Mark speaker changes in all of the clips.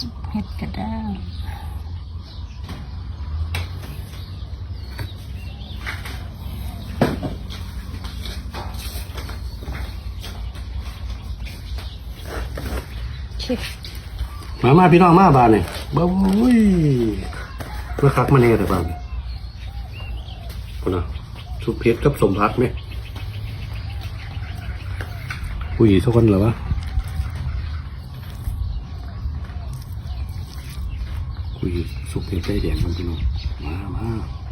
Speaker 1: เผ็ดกระด้าง
Speaker 2: มาพี่น้องมาบ้านนี่บ้าวุ้ยมาคักมาเน่แต่บ้านคนน่ะสุกเผ็ดกับสมพักไหมอุ้ยทุกคนเหรอวะอุ้ยสุกเผ็ดใจแดงมันพี่น้องมา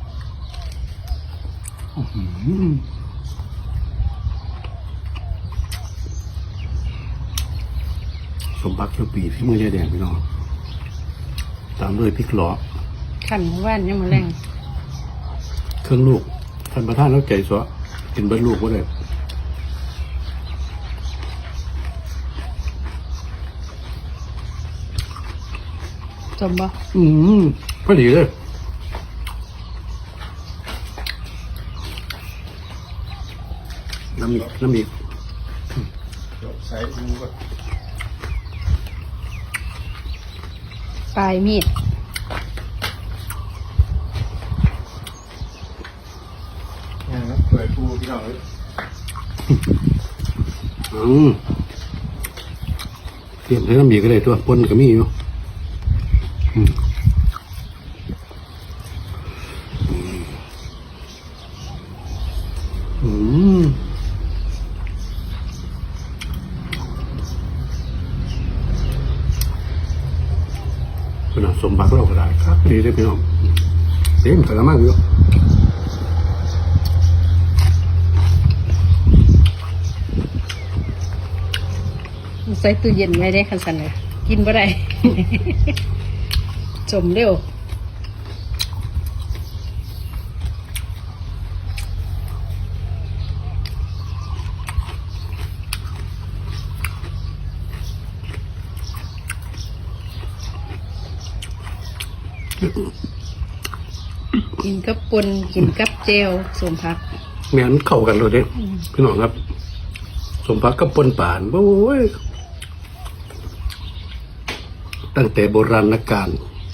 Speaker 2: สมพักเจ้าปีที่มือใจแดงพี่น้องตามด้วยพริกหลอ
Speaker 1: ขันว่านยังมาแรง
Speaker 2: เครื่องลูกท่านประธานแล้วใจสวะกินเบิ้ลลูกก็ได้
Speaker 1: จมบ่
Speaker 2: พอดีเลยน้ำอีกใส่ดูก่อน
Speaker 1: ปลายมีด
Speaker 2: เปิดปูพี่น้องเลยเตรียมให้น้ำอีกก็ได้ตัวปนก็มีอยู่เป็นสมบัติเราก็ได้ครับดีได้พี่น้องเต็มกระมังอยู่
Speaker 1: ใส่ตู้เย็นไว้ได้คันสันเลยกินบ่ได้ จมเร็วกินกับปนกินกับเจลสมพัก
Speaker 2: แม่นเข้ากันเลยเด้พี่น้องครับสมพักกับปนป่านโอ้ยตั้งแต่โบราณกาล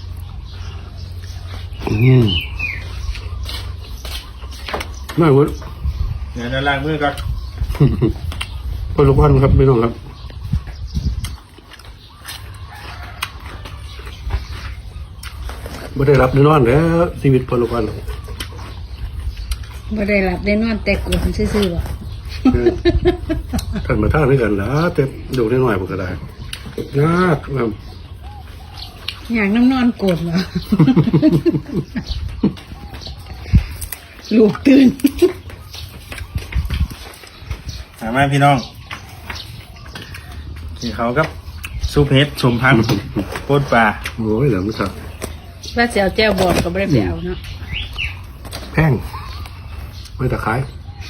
Speaker 2: ไม่เว้ย
Speaker 3: เนี่ยล้างมือก่อน
Speaker 2: พอลูกพันครับพี่น้องครับไม่ได้รับได้นอนแล้วชีวิตพอลูกพัน
Speaker 1: บ่ได้หลับได้นอนแต่กวนซื่อๆบ่
Speaker 2: ท่านมาท่าด้วยกันนะแต่ดูได้หน่อยผมก็ได้ยากครับ
Speaker 1: อย่างน้ำนอนโกรธเหรอ ลูกตื่น
Speaker 3: มาพี่น้องกินเขากับซุปเห็ดสมพักโคตรปลา
Speaker 2: โอ้ยเหลือไม่สัก
Speaker 1: ว่าเสียวแจ้วบอดก็ไม่ได้ไปเอาเนาะ
Speaker 2: แพงไม่ตะไคร้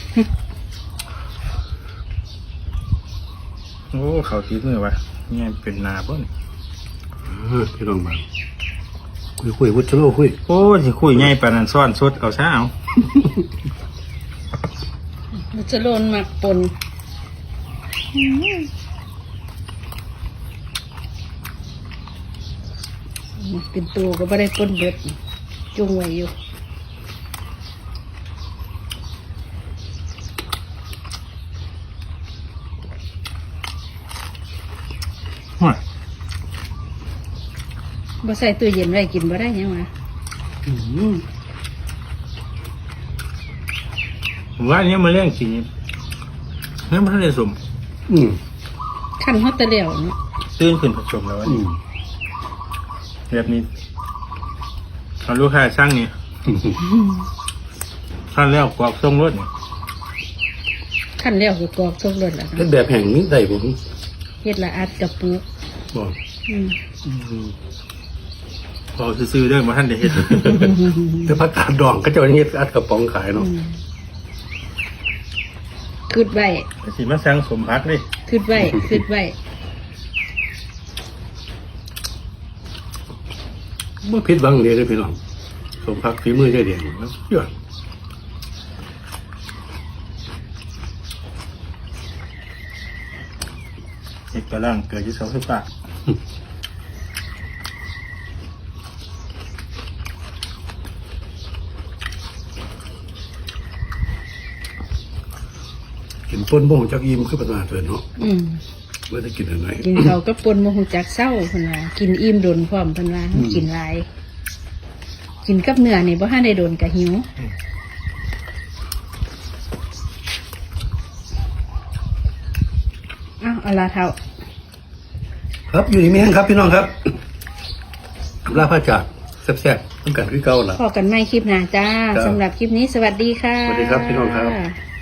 Speaker 3: โอ้เขาตีมือวะนี่เป็นนาบ่น
Speaker 2: พี่ลองมาคุยวุฒิโลคุย
Speaker 3: โอ้สิคุยง่ายปานนั้นซ่อนสดเอาซะเอา
Speaker 1: มันจะโลนหมักปนเป็นตัวก็ไม่ได้ปนเบิดจุงไว้อยู่บ่ใส่ตู้เย็นไว้กินบ่ได้ยังวะ
Speaker 3: ว่านี้มาเลี้ยงกินนี่มันได้สม
Speaker 1: ขั้นฮอตเตอร์เดียวเนาะ
Speaker 3: ตื่นขึ้นผสมแล้วนี่แบบนี้เอาลูกค้าช่างนี่ขั้นแล้วกรอกทรงรถนี่
Speaker 1: ขั้นแล้วคือกรอกทรงรถแล้ว
Speaker 2: เป็นแบบแห่งนี้ได้ผม
Speaker 1: เฮ็ดละอัดกับปุก
Speaker 2: บอก
Speaker 3: พอซื้อๆเด้อมาท่านได้เห็น
Speaker 2: แต่ผักกาดดองก็จะเฮ็ดอัดกระป๋องขายเนาะ
Speaker 1: คืดไว้
Speaker 3: สิมาสั่งสมพักดิ
Speaker 1: คืดไว้
Speaker 2: เมื่อพิษบังเดียได้พี่น้องสมพักฝีมือใจเดียงแล้วยอด
Speaker 3: เอกลังเกิดที่เสาไฟฟ้า
Speaker 2: กินต้นบ่งจากอิ่มคือประมาณเนาะ
Speaker 1: อืม
Speaker 2: ไม่ได้กินอะไร
Speaker 1: กินเขาวก็ปนบ่ฮู้จักเศร้าเพิ่นว่ากินอิ่มโดนพร้อมเพิ่นว่ากินหลาย กินกับเนื้อนี่บ่ทันได้โดนก็หิวอ้าวเอาล่ะเฒ่า
Speaker 2: ครับอยู่นี่มีแห้งครับพี่น้องครับลาพระจากแซ่บๆต้องการคือเก่าล่ะ
Speaker 1: พอกันใหม่คลิปหน้าจ้า
Speaker 2: ครับ
Speaker 1: สำหรับคลิปนี้สวัสดีค่ะ
Speaker 2: สวัสดีครับพี่น้องครับ